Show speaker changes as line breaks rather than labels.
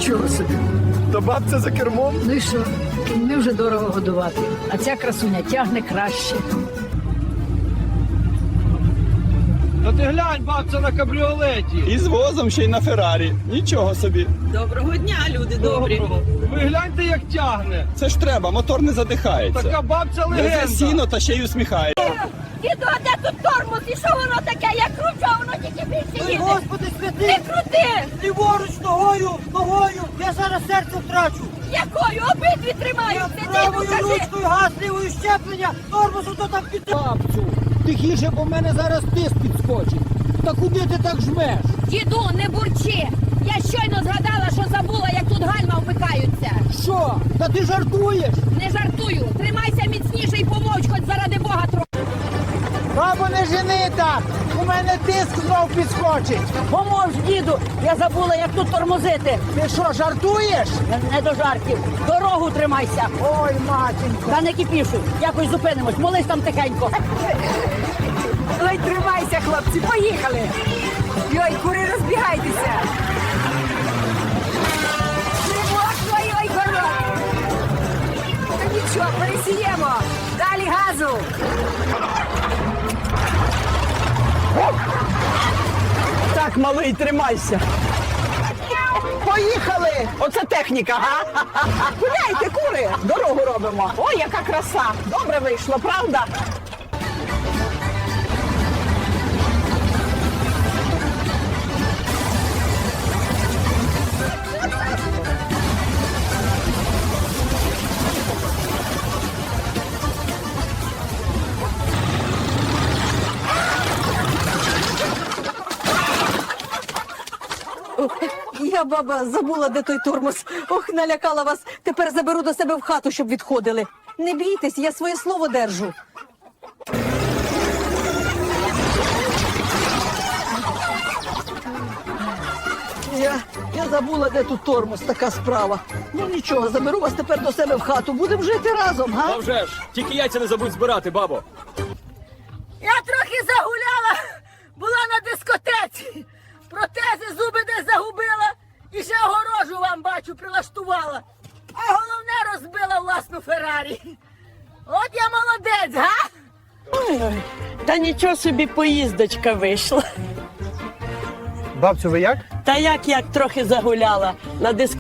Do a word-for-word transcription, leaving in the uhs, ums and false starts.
Нічого собі.
То бабця за кермом?
Ну і що? Не вже дорого годувати, а ця красуня тягне краще.
Та ти глянь, бабця на кабріолеті.
І з возом ще й на Феррарі. Нічого собі.
Доброго дня, люди добрі.
Ви гляньте, як тягне.
Це ж треба, мотор не задихається.
Така бабця
Везе
легенда.
сіно та ще й усміхається.
Діду, а де тут тормоз? І що воно таке? Я кручу, а воно тільки більше їде.
Господи святий!
Не крути!
Ліворуч, ногою, ногою! Я зараз серце втрачу!
Якою? Обидві тримаються. Діду,
Правою
кажи.
ручкою газ, лівою щеплення, тормозу то там під... Бабцю, тихіше, бо в мене зараз тиск підскочить. Та куди ти так жмеш?
Діду, не бурчи. Я щойно згадала, що забула, як тут гальма вмикаються.
Що? Та ти жартуєш?
Не жартую. Тримайся міцніше і помовч, хоч заради Бога трохи.
Бабо, не жени так! У мене тиск знов підскочить.
Помовч, діду, я забула, як тут тормозити.
Ти що, жартуєш?
Не, не до жартів. Дорогу тримайся.
Ой, матінко.
Та не кипішуй. Якось зупинимось. Молись там тихенько.
Ой, тримайся, хлопці, поїхали! Йой, кури, розбігайтеся! Тривожно, ой, город! Та нічого, пересіємо! Далі газу!
Так, малий, тримайся. Поїхали! Оце техніка, га? Гуляйте, кури! Дорогу робимо. Ой, яка краса! Добре вийшло, правда?
Я, баба, забула, де той тормоз. Ох, налякала вас. Тепер заберу до себе в хату, щоб відходили. Не бійтесь, я своє слово держу.
Я, я забула, де тут тормоз, така справа. Ну нічого, заберу вас тепер до себе в хату. Будемо жити разом, га?
А вже ж, тільки яйця не забудь збирати, бабо.
Я трохи загуляла. Була на дискотеці. Протези зуби десь загубила. І ще огорожу вам, бачу, прилаштувала. А головне, розбила власну Феррарі. От я молодець, га?
Ой, та нічого собі поїздочка вийшла.
Бабцю, ви як?
Та як як трохи загуляла на диск.